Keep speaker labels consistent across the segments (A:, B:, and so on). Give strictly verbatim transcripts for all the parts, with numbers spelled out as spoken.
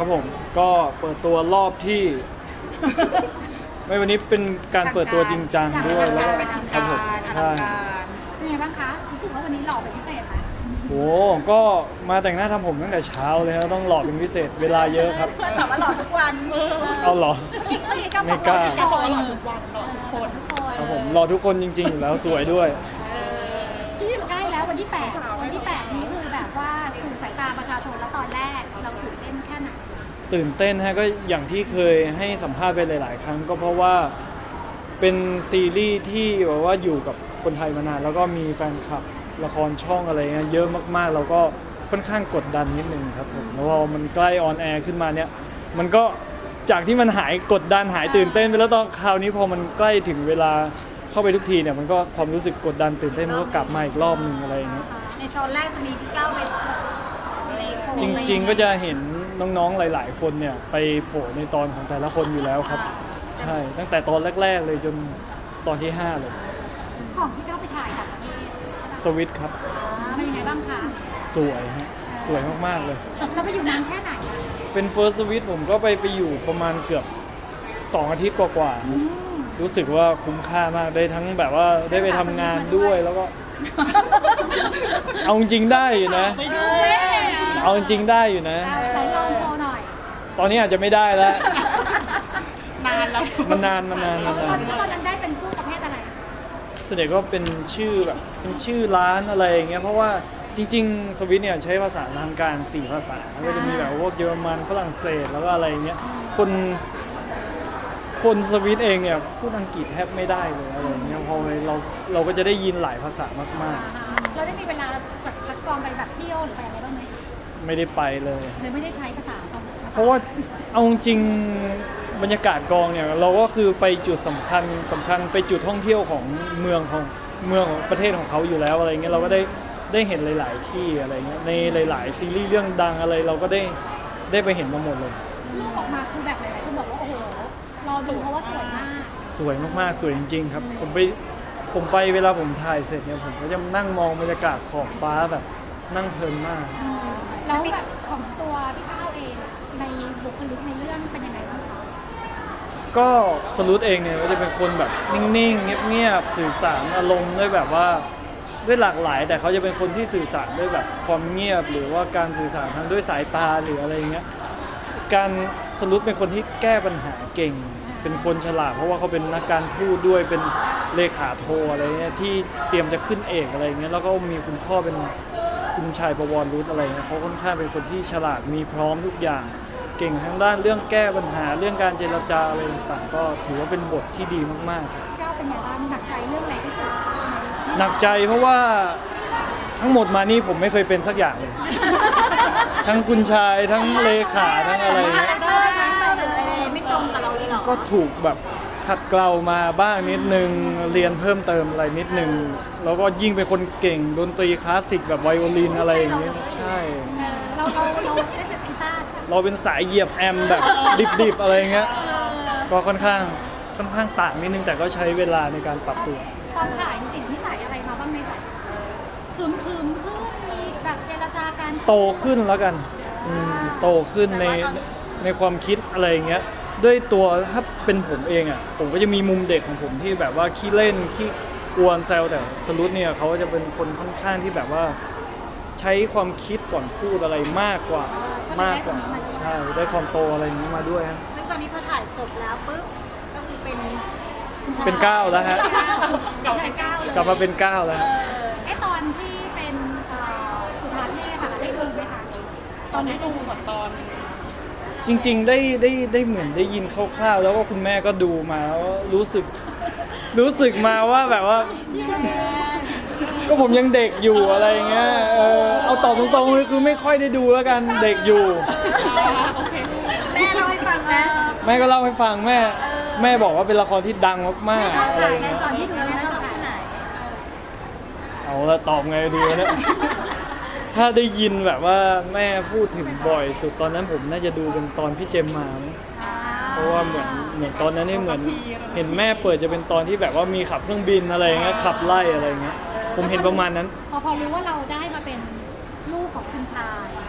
A: ครับผมก็เปิดตัวรอบที่ ไม่วันนี้เป็นการเปิดตัวจริงจังด้วยแล้วก็ครับผมใช่
B: เป็นไงบ้างคะรู้สึกว่าวันนี้หล่อเป็นพิเศษไหม
A: โอ้ก็มาแต่งหน้าทำผมตั้งแต่เช้าเลยครับต้องหล่อเป็นพิเศษเวลาเยอะครับ
C: เพื่อนบอกว่าหล่อทุกวัน
A: เอาเหรอ ไม่กล้า
C: ก็บอกว่าหล่อทุกวันหล่อทุกคน
A: ครับผมหล่อทุกคนจริงๆอยู่แล้วสวยด้วย
B: ใกล้แล้ววันที่แปดวันที่แปดนี้คือแบบว่าสู่สายตาประชาชนแล้วตอนแรกเราตื่นเต้นแค่ไหน
A: ตื่นเต้นฮะก็อย่างที่เคยให้สัมภาษณ์ไปหลาย ๆ ครั้งก็เพราะว่าเป็นซีรีส์ที่แบบว่าอยู่กับคนไทยมานานแล้วก็มีแฟนคลับละครช่องอะไรเงี้ยเยอะมากๆเราก็ค่อนข้างกดดันนิดนึงครับผมแล้วพอมันใกล้ออนแอร์ขึ้นมาเนี่ยมันก็จากที่มันหายกดดันหายตื่นเต้นไปแล้วตอนคราวนี้พอมันใกล้ถึงเวลาเข้าไปทุกทีเนี่ยมันก็ความรู้สึกกดดันตื่นเต้นมันก็กลับมาอีกรอบหนึ่งอะไรอย่างเงี้ย
C: ในตอนแรกจะมีพี่ก้าวไปในโพล
A: จริงๆก็จะเห็นน้องๆหลายๆคนเนี่ยไปโผล่ในตอนของแต่ละคนอยู่แล้วครับใช่ตั้งแต่ตอนแรกๆเลยจนตอนที่ห้าเลย
B: ของที่เข้าไปถ่ายต่างประเทศ
A: สวิตช์ครับ
B: เป็นยังไงบ้างคะ
A: สวยฮะสวยมากๆเลย
B: เราไปอยู่นานแค่ไหนอะ
A: เป็นเฟิร์สสวิตผมก็ไปไปอยู่ประมาณเกือบสองอาทิตย์กว่าๆครับรู้สึกว่าคุ้มค่ามากได้ทั้งแบบว่าได้ไปทำงานด้วยแล้วก็ เอาจริงๆได้อยู่นะ เอาจริงๆได้อยู่นะ
B: ไหนลองโชว์หน่อย
A: ตอนนี้อาจจะไม่ได้แล้ว
C: นานแล้ว
A: มันนานมันนาน
B: แล้
A: มั
B: วน ตอน
A: าน
B: ตอนนั้นได้เป็นผู้ประเภทอะไร
A: ส่วนใหญ่ก็เป็นชื่อแบบเป็นชื่อร้านอะไรอย่างเงี้ยเพราะว่าจริงๆสวิตเนี่ยใช้ภาษาทางการสี่ภาษาก็จะมีแบบพวกเยอรมันฝรั่งเศสแล้วก็อะไรอย่างเงี้ยคนคนสวิตเองเนี่ยพูดอังกฤษแทบไม่ได้เลยอะไรอย่างเงี้ยพอเราเราก็จะได้ยินหลายภาษามาก
B: เราได้มีเวลาจากคัดกรองไปแบบเที่ยวหรือไปอะไรบ้างไหม
A: ๆ ไม่ได้ไปเลย
B: เลยไม่ได้ใช้ภาษาสอง
A: เพราะว่าเอาจริงๆบรรยากาศกองเนี่ยเราก็คือไปจุดสำคัญสำคัญไปจุดท่องเที่ยวของเมืองของเมืองของประเทศของเขาอยู่แล้วอะไรเงี้ยเราก็ได้ได้เห็นหลาย ๆ ที่อะไรเงี้ยในหลาย ๆ ซีรีส์เรื่องดังอะไรเราก็ได้ได้ไปเห็นมาหมดเลย
B: รูปออกมาคือแบบหลายๆคนบอกว่าโอ้โหรอดูเพราะว่าสวยมาก
A: สวยมากๆสวยจริงๆครับผมไปผมไปเวลาผมถ่ายเสร็จเนี่ยผมก็จะนั่งมองบรรยากาศขอบฟ้าแบบนั่งเพลินมาก
B: แล้วแบบของตัวพี่ก้าวเองในบุคลิกในเรื่องเป็นยังไงบ้างคะ
A: ก็สรุปเองเนี่ยก็จะเป็นคนแบบนิ่งๆเงียบๆสื่อสารอารมณ์ด้วยแบบว่าด้วยหลากหลาย แต่เขาจะเป็นคนที่สื่อสารด้วยแบบความเงียบหรือว่าการสื่อสารทางด้วยสายตาหรืออะไรเงี้ยการสรุปเป็นคนที่แก้ปัญหาเก่ง เป็นคนฉลาดเพราะว่าเขาเป็นนักการทูตด้วยเป็นเลขาโทอะไรเงี้ยที่เตรียมจะขึ้นเอกอะไรเงี้ยแล้วก็มีคุณพ่อเป็นคุณชายประวรรุตอะไรเงี้ยเขาค่อนข้างเป็นคนที่ฉลาดมีพร้อมทุกอย่างเก่งทั้งด้านเรื่องแก้ปัญหาเรื่องการเจรจาอะไรต่างๆก็ถือว่าเป็นบทที่ดีมากๆครับ
B: พี่ก้าวเป็นยังไงบ้างหนักใจเรื่องอะไรที่สุด
A: หนักใจเพราะว่าทั้งหมดมานี่ผมไม่เคยเป็นสักอย่างเลย ทั้งคุณชายทั้งเลขาทั้งอะไร
C: คา
A: เงี้
C: แร
A: ย
C: คเตอร์คาแรคเตอร์หรืออะไรไม่ตรงกับเราเลยเหรอ
A: ก็ถูกแบบขัดเกลามาบ้างนิดนึงเรียนเพิ่มเติมอะไรนิดนึงแล้วก็ยิ่งเป็นคนเก่งดนตรีคลาสสิกแบบไวโอลินอะไรอย่างเงี้ยใช่
B: เราเราเราได้เสร็จกีตาร์ใช่ไหม
A: เราเป็นสายเหยียบแอมแบบดิบๆอะไรเงี้ยก็ค่อนข้างค่อนข้างต่างนิดนึงแต่ก็ใช้เวลาในการปรับตัว
B: ตอนถ่ายติดนิสัยอะไรมาบ้างไหมแบบคืมคืมๆขึ้นมีแบบเจรจาการ
A: โตขึ้นแล้วกันอืมโตขึ้นในในความคิดอะไรอย่างเงี้ยด้วยตัวถ้าเป็นผมเองอ่ะผมก็จะมีมุมเด็กของผมที่แบบว่าขี้เล่นขี้กวนแซวแต่สรุปเนี่ยเขาจะเป็นคนค่อนข้างที่แบบว่าใช้ความคิดก่อนพูดอะไรมากกว่ามากกว่าใช่ได้ความโตอะไรอย่างนี้มาด้วยฮะ
C: ซึ่งตอนนี้พอถ่ายจบแล้วปุ๊บก็คือเป็น
A: เป็นก้าวแล้วฮะ
B: ใช่ก้าวเลย
A: กลับมาเป็นก้าวแล้วฮะ
B: ไอ้ตอนที่เป็นเอ่อจุฬาเทพอะได้ดูไหมคะตอนนั้นดูแบบตอน
A: จริงๆได้ได้ได้เหมือนได้ยินคร่าวๆแล้วก็คุณแม่ก็ดูมาแล้วรู้สึกรู้สึกมาว่าแบบว่า ก็ผมยังเด็กอยู่อะไรเงี้ยเออเอาตอบตรงๆเลยคือไม่ค่อยได้ดูแล้วกันเด็กอยู่
C: แม่เล่าให้ฟังนะ
A: แม่ก็เล่าให้ฟังแม่แม่บอกว่าเป็นละครที่ดังมาก
C: ชอบ
A: ๆอะ
C: ไหน
A: ไร
C: แม่
A: เงี้ย
C: ชอบที่ดูแม่ชอบที่ไหน
A: เอาละตอบไงดีวะเนี่ย ถ้าได้ยินแบบว่าแม่พูดถึงบ่อยสุดตอนนั้นผมน่าจะดูเป็นตอนพี่เจมมามั้งเพราะว่าเหมือนเหมือนตอนนั้นนี่เหมือนเห็นแม่เปิดจะเป็นตอนที่แบบว่ามีขับเครื่องบินอะไรเงี้ยขับไล่อะไรเงี้ยผมเห็นประมาณนั้น
B: พอพอรู้ว่าเราได้มาเป็นลูกของคุณชายเอ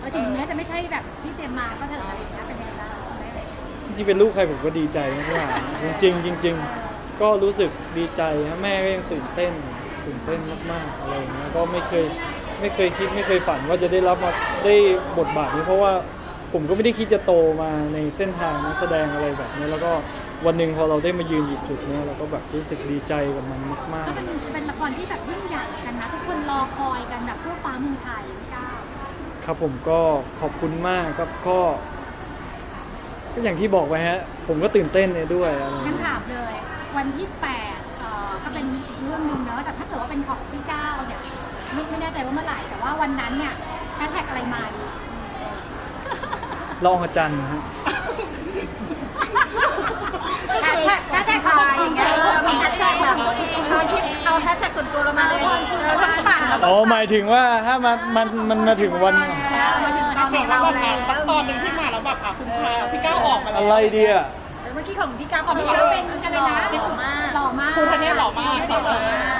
B: อถึงแม้จะไม่ใช่แบบพี่เจมมาก็เถอะอะไรอย่างเงี้ยเป็นยังไงบ้างคุณแม่
A: จริงๆเป็นลูกใครผมก็ดีใจมากๆจริงๆจริง ๆ ก็รู้สึกดีใจนะแม่ก็ยังตื่นเต้นตื่นเต้นมากๆอะไรอย่างเงี้ยก็ไม่เคยไม่เคยคิดไม่เคยฝันว่าจะได้รับมาได้บทบาทนี้เพราะว่าผมก็ไม่ได้คิดจะโตมาในเส้นทางนักแสดงอะไรแบบนี้แล้วก็วันหนึ่งพอเราได้มายืนอยู่จุดเนี้ยเราก็แบบรู้สึกดีใจกับมันมาก
B: ก็เป็นเป็นละครที่แบบยิ่งใหญ่กันนะทุกคนรอคอยกันแบบทั่วฟ้าเมืองไทยพี่ก้าว
A: ๆครับผมก็ขอบคุณมากครับก็ ก็อย่างที่บอกไปฮะผมก็ตื่นเต้นเลยด้วยอะไรอย่าง
B: งั้น
A: เงี้ย
B: ถามเลย วันที่แปดเอ่อก็เป็นอีกเรื่องหนึงเนอะแต่ถ้าเกิดว่าเป็นของพี่ก้าวเนี่ยไม่ไม่แน่ใจว่าเมื่อไหร่แต่ว่าวันนั้นเนี่ยแฮชแท็กอะไรมาดี
A: ลองอาจารย์ฮะ
C: แฮชแท็กแฮชแท็กชายอย่างเงี้ยเออเรามีแฮชแท็กแบบเราคิดเอาแฮชแท็กส่วนตัวเรามาเลยเราต้องปั่นเราต้
A: อ๋
C: อ
A: อง หมายถึงว่าถ้ามันมันมันมาถึงวัน
C: มาถึงตอนของเราแล้ว
D: ตอนหนึ่งที่มาแล้วแบบอ่ะคุณชายพี่ก้าวออกมาแล้ว
A: อะไรดีอ่ะ
C: เมื่อกี้ของพี่ก้าว
B: ของพี่ก้าวเป็นอะไรนะ
C: หล่อมาก
B: หล่อมาก
D: ครูทะเนศหล่อมาก
C: หล่อมาก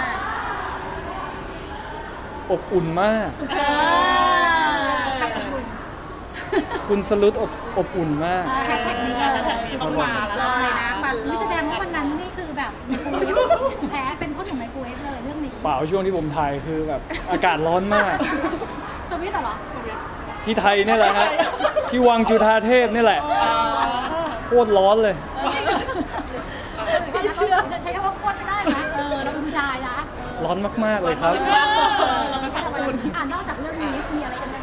A: อบอุ่นมาก
C: เออ
B: ใครเป็นคุณ
A: คุณสลุดอบอบอุ่นมาก
B: แฮชแท็กนี้เลย
D: ต้องมาแล้ว
C: รอเลยนะปั่นร
B: นี่
C: อ
B: แสดงว่าวันนั้นนี่คือแบบไมโครเวฟแพ้เป็นพ่อหนุ่มไมโครเวฟเลยเรื่องนี้
A: เปล่าช่วงที่ผมถ่ายคือแบบอากาศร้อนมาก
B: สวิตเหรอ
A: ที่ไทยนี่แหละฮะที่วังจุฑาเทพนี่แหละโคตรร้อนเลย
B: ไม่เชื่อใช้คำว่าโคตรไม่ได้นะเออเราเป็นผู้ชายนะ
A: ร้อนมากๆเลยครับ
B: แต่วันนี้อ่านอกจากเรื่องนี้มีอะไรกันบ้าง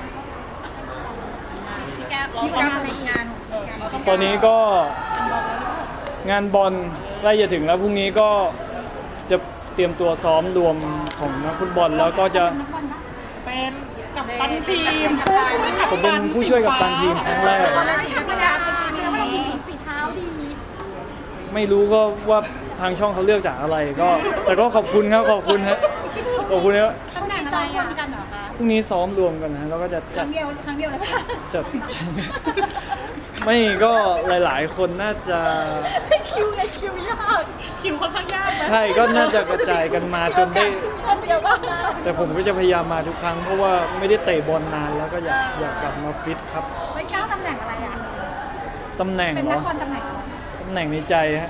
C: พี่ก้าว
B: มีงานอะไรอีกงาน
A: ตอนนี้ก็งานบอลใกล้จะถึงแล้วพรุ่งนี้ก็จะเตรียมตัวซ้อมรวมของนักฟุตบอลแล้วก็จะ
B: นักบอลปะ
D: เป็นกับตันทีมผู้ช่วยกับ
A: ผมเป็นผู้ช่วยกัปตันทีมครั้งแรก
C: คนละสีกับพี่ก้าวคนละ
B: แส
C: สี
B: ดงว่าเรามีฝีฝีเท้าดี
A: ไม่รู้ก็ว่าทางช่องเขาเลือกจากอะไรก็ แต่ก็ขอบคุณครับขอบคุณฮะขอบคุณครับ
B: ตำแหน่งอะ
C: ซ้
B: ไร
C: อมรว
B: อ่ะ
C: มกันเหรอคะ
A: พรุ่งนี้ซ้อมรวมกันนะฮะแล้วก็จะ
C: ค
A: จั
C: รั้
A: ด
C: งเดียวครั้งเดียวเลยค่ะ
A: จัด ไม่ก็หลาย ๆ คนน่าจะ
C: คิวไงคิวยาก
D: คิวค่อนข้างยากไหม
A: ใช่ก็น่าจะกระจายกันมาจนได้
C: คนเดียวบ้าง
A: แต่ผมก็จะพยายามมาทุกครั้งเพราะว่าไม่ได้เตะบอลนานแล้วก็อยากอยากกลับมาฟิตครับ
B: ไม่ก้าวตำแหน่งอะไรอ่ะ
A: ตำแหน่ง
B: เป็น
A: เหร
B: นั
A: อก
B: บอลตำแหน่งอะไร
A: ตำแหน่งในใจฮะ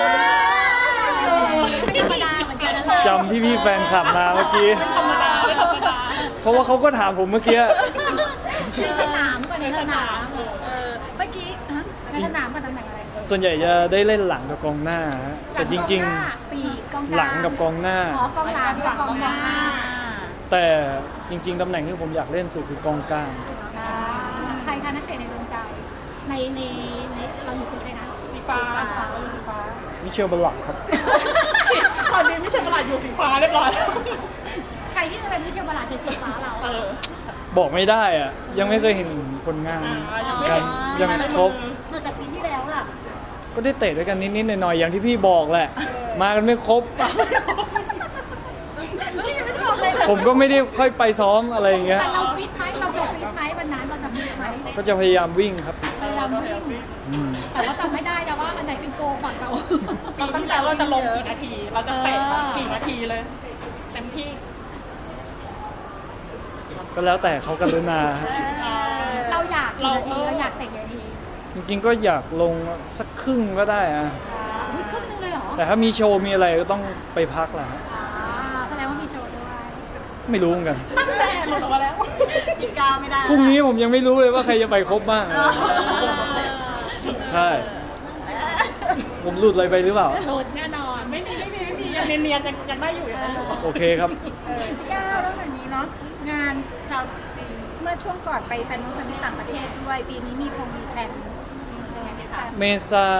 B: ไม่ธรรมดาเหมือนกันนะ
A: จำพี่ๆแฟนคลับมาเมื่อกี้
D: ธรรมดาไม่ธรรมดา
A: เพราะว่าเขาก็ถามผมเมื่อกี้
B: ในสนามก่อนในสนาม
C: เออเมื่อกี้ฮะ
B: ในสนามกับตำแหน่งอะไร
A: ส่วนใหญ่จะได้เล่นหลังกับกองหน้าฮะแต่จริง
B: ๆปีกกอง
A: ๆ หลังกับกองหน้า
B: อ๋อกองหลังกับกองหน้า
A: แต่จริง ๆตำแหน่งที่ผมอยากเล่นสุดคือกองกลาง
B: ใครคะนักเตะในดวงใจในในในเราอยู่สีอะไรนะ
D: สีฟ้าสีฟ้า
A: มิเชลบลล็อกครับ
D: ตอนนี้ไม่ใช่ตลาดอยู่สีฟ้าเรียบร้อยแล้ว
B: ใครที่จะเป็นมิเชลบาลาเป็นสีฟ้าเรา
D: เออ
A: บอกไม่ได้อะยังไม่เคยเห็นผลงานกันยังครบ
C: นอกจากปีที่แล้วล่ะ
A: ก็ได้เตะด้วยกันนิดๆหน่อยๆอย่างที่พี่บอกแหละ มากันไม่ครบ
C: พี่ยังไม่ได้บอกเลยเลย
A: ผมก็ไม่ได้ค่อยไปซ้อมอะไรอย่างเงี้ย
B: แต่เราฟิตไหมเราจะฟิตไหมวันนั้นเราจะฟิตไหม
A: ก็จะพยายามวิ่งครับ
B: พยายามวิ่ง
A: อืม
B: แต่ว่าจำไม่ได้นะว่าอันไหนเป็นโกฝั่งเรา
D: เราตั้งใจว่าจะลงกี่นาที เราจะเตะกี่นาทีเลย เต็มที่
A: ก็แล้วแต่เขากรุณาฮะ
B: เราอยากกี่นาทีเราอยากเตะกี่นาที
A: จริงๆก็อยากลงสักครึ่งก็ได้อะ
B: อ่าอุ้ยครึ่งนึงเลยเหรอ
A: แต่ถ้ามีโชว์มีอะไรก็ต้องไปพักแหละฮะ
B: อ่าแสดงว่ามีโชว์ด้วย
A: ไม่รู้เหมือนกัน
D: ตั้งแต่หมดออกมาแล้ว
C: พี่ก้าวไม่ได้
A: พรุ่งนี้ผมยังไม่รู้เลยว่าใครจะไปครบบ้าง ใช่ ผมหลุดอะไรไปหรือเปล่า
B: โหลดแน่นอน
D: ไม่มีไม่มีไม่มียังเนียนๆยังยังได้อยู่ยังได้อยู่
A: โอเคครับ
C: เออพี่ก้าวแล้วแบบนี้เนาะงานเราเมื่อช่วงก่อนไปแฟนนู้นแฟนที่ต่างประเทศด้วย ปีนี้มีคงมีแผนยังไงไหมคะ
A: เมษา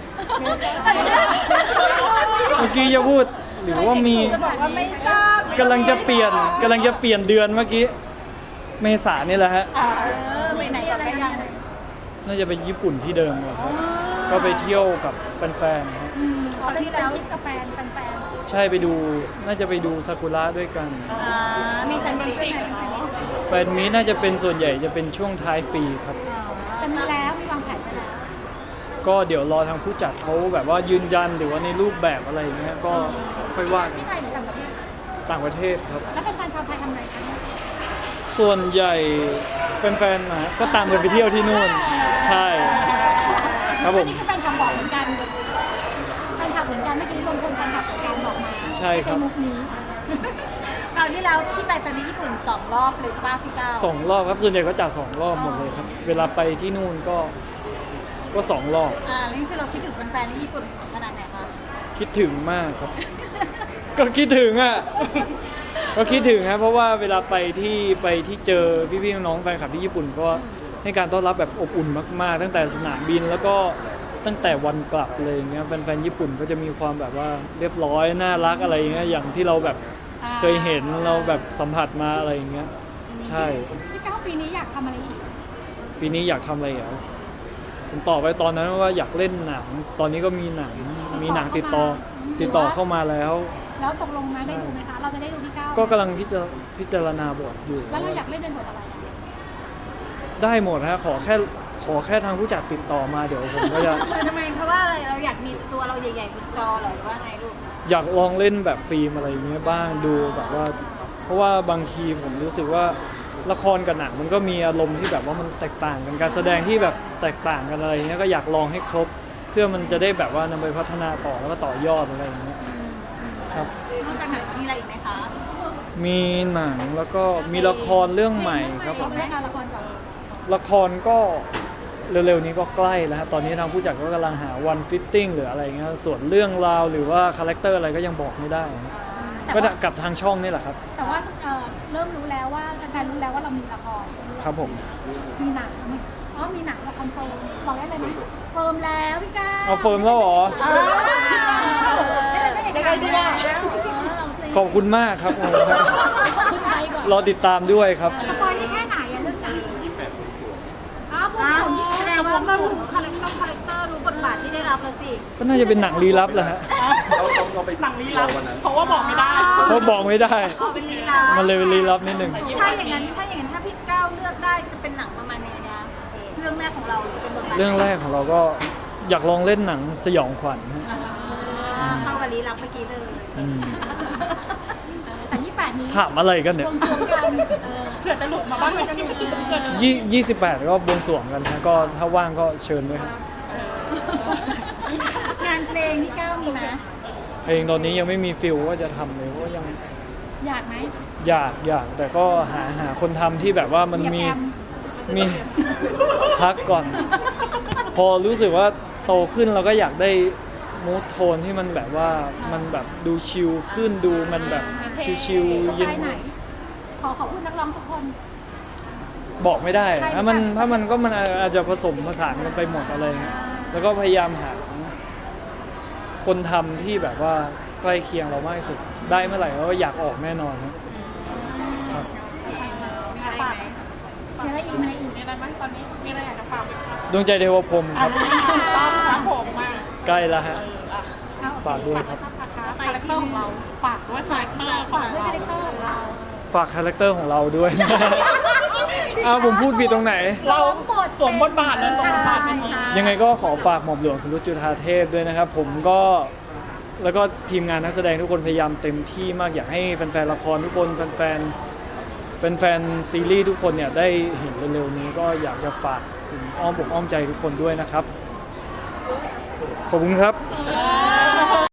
A: เมื่อกี้จะพูดหรือว่ามี
C: จะบอกว่าไม่ทราบ
A: กำลังจะเปลี่ยนกำลังจะเปลี่ยนเดือนเมื่อกี้ เมษานี่แหละฮะ
C: เออไปไหนก่อนไปยัง
A: น่าจะไปญี่ปุ่นที่เดิมเหรอครับก็ไปเที่ยวกับแฟนๆครับ
B: อืมเขาเป็นเป็นทริปกับแฟนแฟน
A: ใช่ไปดูน่าจะไปดูซากุระด้วยกัน
C: อ่ามีแฟนมีด้วยไหมมีแฟนมีด้วย
A: แฟนมีตน่าจะเป็นส่วนใหญ่จะเป็นช่วงท้ายปีครับ
C: อ๋อ
B: ๆแต่มีแล้วมีวางแผนไปแล้ว
A: ก็เดี๋ยวรอทางผู้จัดเขาแบบว่ายืนยันหรือว่าในรูปแบบอะไรอย่างเงี้ยก็ค่อยว่ากัน
B: ที่ไทยหรือต่างประเทศ
A: ต่างประเทศครับ
B: แล้วแฟนๆชาวไทยทำไงคะ
A: แส่วนใหญ่แฟนๆนะก็ตามกันไปเที่ยวที่นู่นใช่ครับผ
B: อัน
A: ม
B: นี้คือแฟนคลับบอกเหมือนกันแฟนคลับเหมือนกันเมื่อกี้ลงคนแฟนคลับเหมือนกันบอกมา
A: ใช่ครับ
B: ไม่ใช่มุกนี้
C: คราวที่แล้วที่ไปแฟนมิตญี่ปุ่นสองรอบเลยใช่ป่ะพี่ก้าว
A: สองรอบครับส่วนใหญ่ก็จัดสองรอบหมดเลยครับ เวลาไปที่นู่นก็ก็สองรอบ
C: อ่าแล้วนี่คือเราคิดถึงแฟนๆที่ญี่ปุ่นขนาดไหนคะ
A: คิดถึงมากครับ ก็คิดถึงอ่ะ ก็คิดถึงครับเพราะว่าเวลาไปที่ไปที่เจอพี่ๆน้องๆแฟนคลับที่ญี่ปุ่นก็ให้การต้อนรับแบบอบอุ่นมากๆ ตั้งแต่สนามบินแล้วก็ตั้งแต่วันกลับเลยอย่างเงี้ยแฟนๆญี่ปุ่นก็จะมีความแบบว่าเรียบร้อยน่ารักอะไรอย่างเงี้ยอย่างที่เราแบบ
B: อ่า
A: เคยเห็นเราแบบสัมผัสมาอะไรอย่างเงี้ยใช่
B: พี่ก้าวปีนี้อยากทำอะไรอีก
A: ปีนี้อยากทำอะไรเหรอผมตอบไปตอนนั้นว่าอยากเล่นหนัง ตอนนี้ก็มีหนังมีหนังติดต่อติดต่อเข้ามาแล้ว
B: แล้วตกลงไหมได้ดูไหมคะ เราจะได้ดูพี่ก้าว
A: ก็กำลังพิจารพิจารณาบทอยู่
B: แล้วเราอยากเล่นเป็นบทอะไรอะ
A: ได้หมดฮะขอแค่ขอแค่ทางผู้จัดติดต่อมาเดี๋ยวผมก็จะ
C: ทำไมเพราะว่าอะไรเราอยากมีตัวเราใหญ่ๆบนจอเหรอหรือว่าไงลูก
A: อยากลองเล่นแบบฟิล์มอะไรอย่างเงี้ยบ้างดูแบบว่า เพราะว่าบางทีผมรู้สึกว่าละครกับหนังมันก็มีอารมณ์ที่แบบว่ามันแตกต่างกันการแสดงที่แบบแตกต่างกันอะไรอย่างเงี้ยก็อยากลองให้ครบ เพื่อมันจะได้แบบว่านำไปพัฒนาต่อแล้วก็ต่อยอดอะไรอย่างเงี้ยครับ
C: นอกจากหนังมีอะไรอีกไหมคะ
A: มีหนังแล้วก็มีละครเรื่องใหม่ครับผม
B: เล่นละครก่อน
A: ละครก็เร็วๆนี้ก็ใกล้แล้วครับตอนนี้ทางผู้จัดก็กำลังหาวันฟิตติ้งหรืออะไรเงี้ยส่วนเรื่องราวหรือว่าคาแรคเตอร์อะไรก็ยังบอกไม่ได้นะ
B: แต่
A: ก็
B: ว่า
A: กับทางช่องนี่แหละครับ
B: แต่ว่าเอ่อเริ่มรู้แล้วว่าแฟนๆรู้แล้วว่าเรามีละคร
A: ครับผม
B: มีหนังอ๋อมีหนังละครเฟิร์มบอกได้เลยไหมเฟิร์มแล้วพี่ก้าว
A: เอาเฟิร์มแล้วเหรอ
B: เออได้ไหมพี่ก้าวเอาสิ
A: ขอบคุณมากครับ
B: พูดไทยก่อน
A: รอติดตามด้วยครับ
B: สปอยได้แค่ไหนอะเรื่องหนังอ๋อบวง
C: อ้า
B: ส
C: ว
B: รวงยี่สิบ
C: แสดงว่าก็รู้คาแรคเตอร์คาแรคเตอร์รู้บทบาทที่ได้รับแล้วสิ
A: ก็น่าจะเป็นหนังลี้ลับแหละฮะ
E: เราเราเราไป
D: หนังลี้ลับเพราะว่าบอกไม่ได้
A: เพราะบอกไม่ได้
C: เอาเป็นลีลา
A: มันเลยเป็นลี้ลับนิดหนึ่ง
C: ถ้าอย่างนั้นถ้าอย่างนั้นถ้าพี่ก้าวเลือกได้จะเป็นหนังประมาณไหนนะเรื่องแรกของเราจะเป็นบทบาท
A: เรื่องแรกของเราก็อยากลองเล่นหนังสยองขวัญฮะ
C: อ่าเข้ากับลีลับเมื่อกี้เลย
A: อืม
B: แต่ยี่สิบแปดนี้
A: ถามอะไรกันเนี่
B: บ
A: ยว
B: งสรวงกันเออ
D: เผื่อจะหลุดมาบ้างไหมจะหลุดเกิด
A: ยี่ยี่สิบแปดก็บวงสรวงกันนะก็ถ้าว่างก็เชิญด้วยครับ
C: งานเพลงพี่ก้าวมีไหม
A: เพลงตอนนี้ยังไม่มีฟิลว่าจะทำเลยเพราะว่ายัง
B: อยากไหม
A: อยากอยากแต่ก็หาหาคนทำที่แบบว่ามัน
B: เหยียบ
A: มี
B: แอม
A: มีพักก่อน พอรู้สึกว่าโตขึ้นเราก็อยากได้มูทโทนที่มันแบบว่ามันแบบดูชิลขึ้นดูมันแบบชิล
B: ส
A: ๆ
B: ไต
A: เย็น
B: ล์ไหน ขอขอพูดนักร้องสักคน
A: บอกไม่ได้
B: ใช่
A: ถ้ามัน
B: ใช่
A: ถ้ามันก็มันอาจจะผสมผสานกันไปหมดอะไรเงี้ยแล้วก็พยายามหาคนทำที่แบบว่าใกล้เคียงเรามากที่สุดได้เมื่อไหร่เราก็อยากออกแน่นอนครับครับ
C: มีอะไรไหม
B: มีอะไรอีกมีอะไรอีก
D: มีอะไรบ้างตอนนี้ มีอะไรอยากจะฝากไหมคะ
A: ดวงใจเทวพรหมครับ
D: ต้องครับผมมา
A: ใกล้แล้วฮะ
B: เอาโอเค
A: ฝากด้วยครับ
D: คาแรคเตอร์ของเราฝากด้วยคาแรคเตอร์ของ
B: ด้วย
D: เรา
B: คาแรคเตอร์ของเรา
A: ฝากคาแรคเตอร์ของเราด้วย อ้าวผมพูดผิดตรงไหน
D: เรา
B: สวมบท
D: สวมบทบาทนั้นสวมบทบาทเป็น
B: ใช่
A: ยังไงก็ขอฝากหม่อมหลวงสรุตจุฑาเทพด้วยนะครับ ผมก็แล้วก็ทีมงานนักแสดงทุกคนพยายามเต็มที่มากอยากให้แฟนๆละครทุกคนแฟนๆแฟนๆซีรีส์ทุกคนเนี่ยได้เห็นเร็วๆนี้ก็อยากจะฝากถึงอ้อมอกอ้อมใจทุกคนด้วยนะครับ ขอบคุณครับ
B: เอ